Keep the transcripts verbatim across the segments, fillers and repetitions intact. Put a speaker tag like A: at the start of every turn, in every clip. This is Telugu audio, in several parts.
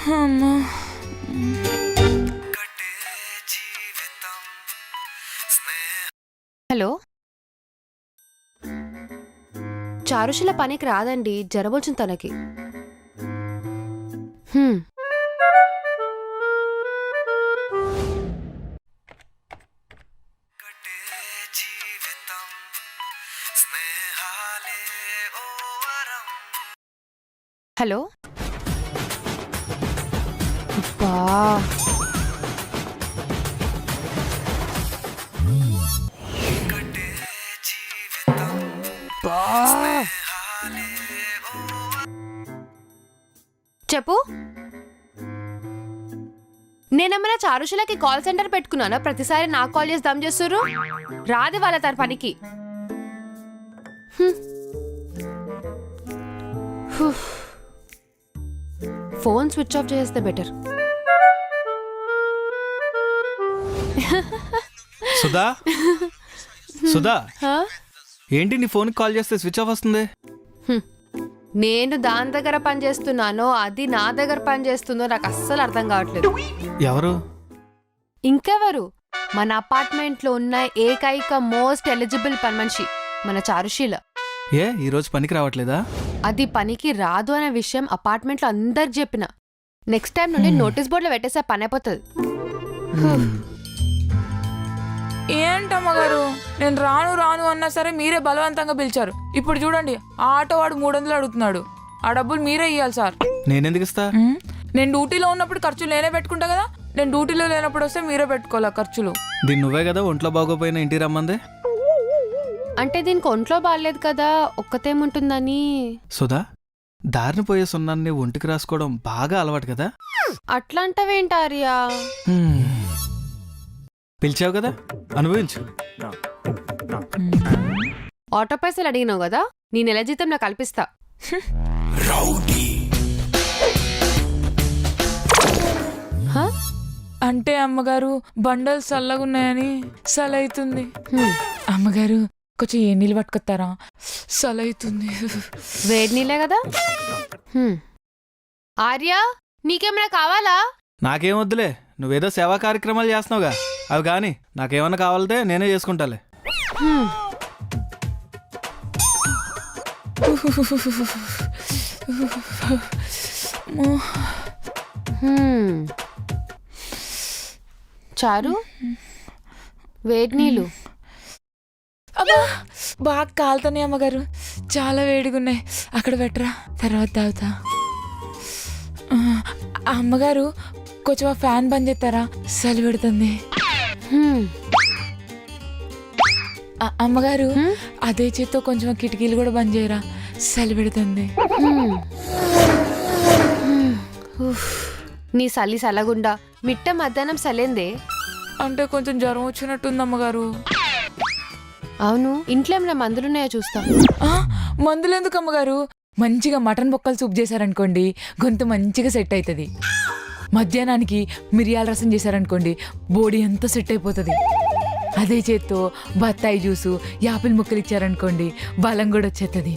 A: హలో, చారుషిల పనికి రాదండి, జ్వరం వచ్చింది తనకి. హ్మ్. హలో, అబ్బా చెప్పు. నేనేమైనా చారుషులకి కాల్ సెంటర్ పెట్టుకున్నానా? ప్రతిసారి నాకు కాల్ చేసి దమ్ చేస్తుర్రు. రాదు వాళ్ళ తన పనికి. ఫోన్ స్విచ్ ఆఫ్ చేస్తే బెటర్.
B: సుధా, సుధా, ఏంటి నీ ఫోన్ కాల్ చేస్తే స్విచ్ ఆఫ్ వస్తుంది?
A: నేను దాని దగ్గర పని చేస్తున్నానో అది నా దగ్గర పని చేస్తుందో నాకు అస్సలు అర్థం కావట్లేదు.
B: ఎవరు?
A: ఇంకెవరు, మన అపార్ట్మెంట్ లో ఉన్న ఏకైక మోస్ట్ ఎలిజిబుల్ పని మనిషి మన చారుశీల.
B: ఏ ఈ రోజు పనికి రావట్లేదా?
A: అది పనికి రాదు అనే విషయం అపార్ట్మెంట్ లో అందరికి చెప్పిన. నెక్స్ట్ టైం నుండి నోటీస్ బోర్డులో పెట్టేసే పని అయిపోతుంది.
C: ఏంటమ్మగారు, నేను రాను రాను అన్నా సరే మీరే బలవంతంగా పిలిచారు. ఇప్పుడు చూడండి, ఆ ఆటో వాడు మూడు వందలు అడుగుతున్నాడు. ఆ డబ్బులు మీరే ఇవ్వాలి సార్.
B: నేనెందుకు ఇస్తా?
C: నేను డ్యూటీలో ఉన్నప్పుడు ఖర్చులు నేనే పెట్టుకుంటా కదా. నేను డ్యూటీలో లేనప్పుడు వస్తే మీరే పెట్టుకోవాలి ఖర్చులు.
B: దీన్ని నువ్వే కదా ఒంట్లో బాగోపోయినా ఇంటికి రమ్మందే.
A: అంటే దీనికి ఒంట్లో బాగాలేదు కదా, ఒక్కతేముంటుందని.
B: సుధా, దారిని పోయే సున్నాన్ని ఒంటికి రాసుకోవడం బాగా అలవాటు కదా.
A: అట్లాంటవేంటారియా?
B: పిలిచావు కదా, అనుభవించు.
A: ఆటో పైసలు అడిగినావు కదా, నీ నెల జీతం నాకు కల్పిస్తా.
C: అంటే అమ్మగారు బండలు చల్లగున్నాయని సలైతుంది. అమ్మగారు కొంచెం ఏ నీళ్ళు పట్టుకొస్తారా? సలైతుంది.
A: వేడి నీళ్ళే కదా. ఆర్యా, నీకేమైనా కావాలా?
B: నాకేం వద్దులే, నువ్వేదో సేవా కార్యక్రమాలు చేస్తున్నావుగా, అవి కానీ నాకేమన్నా కావాలంటే నేనే చేసుకుంటాలే. చారు, వేడి నీళ్ళు.
C: అబ్బా, బాగా కాలుతాయి అమ్మగారు, చాలా వేడిగా ఉన్నాయి. అక్కడ పెట్టరా, తర్వాత తాగుతా. అమ్మగారు కొంచెం ఆ ఫ్యాన్ బంద్ చేస్తారా? చలి పెడుతుంది. అమ్మగారు అదే చేత్తో కొంచెం కిటికీలు కూడా బంద్ చేయరా? చలి పెడుతుంది.
A: నీ సలి సలగుండా మిట్ట మధ్యాహ్నం సలేందే.
C: అంటే కొంచెం జ్వరం వచ్చినట్టుంది అమ్మగారు.
A: అవును, ఇంట్లో ఏమైనా మందులున్నాయో చూస్తా.
C: మందులు ఎందుకు అమ్మగారు? మంచిగా మటన్ బొక్కలు సూప్ చేశారనుకోండి, గొంతు మంచిగా సెట్ అవుతుంది. మధ్యాహ్నానికి మిరియాల రసం చేశారనుకోండి, బాడీ అంతా సెట్ అయిపోతుంది. అదే చేత్తో బత్తాయి జ్యూసు, యాపిల్ ముక్కలు ఇచ్చారనుకోండి, బలం కూడా వచ్చేస్తుంది.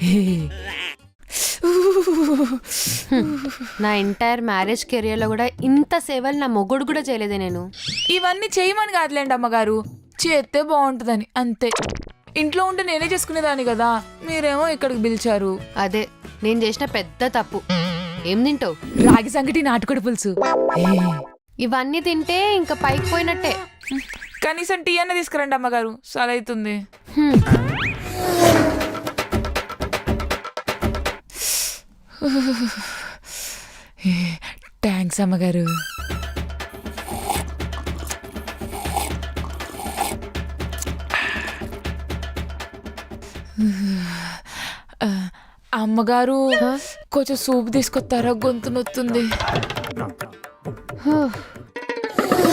A: నా ఎంటైర్ మ్యారేజ్ కెరియర్లో కూడా ఇంత సేవలు నా మొగుడు కూడా చేయలేదే నేను.
C: ఇవన్నీ చేయమని కాదులేండి అమ్మగారు, చేస్తే బాగుంటుందని అంతే. ఇంట్లో ఉంటే నేనే చేసుకునేదాన్ని కదా, మీరేమో ఇక్కడికి పిలిచారు.
A: అదే నేను చేసిన పెద్ద తప్పు. ఏం తింటావు?
C: రాగి సంగటి, నాటుకోడి పులుసు.
A: ఇవన్నీ తింటే ఇంకా పైకి పోయినట్టే.
C: కనీసం టీ అన్న తీసుకురండి అమ్మగారు, సలైతుంది. థ్యాంక్స్ అమ్మగారు. అమ్మగారు కొంచెం సూప్ తీసుకొస్తారా? గొంతు నొత్తుంది.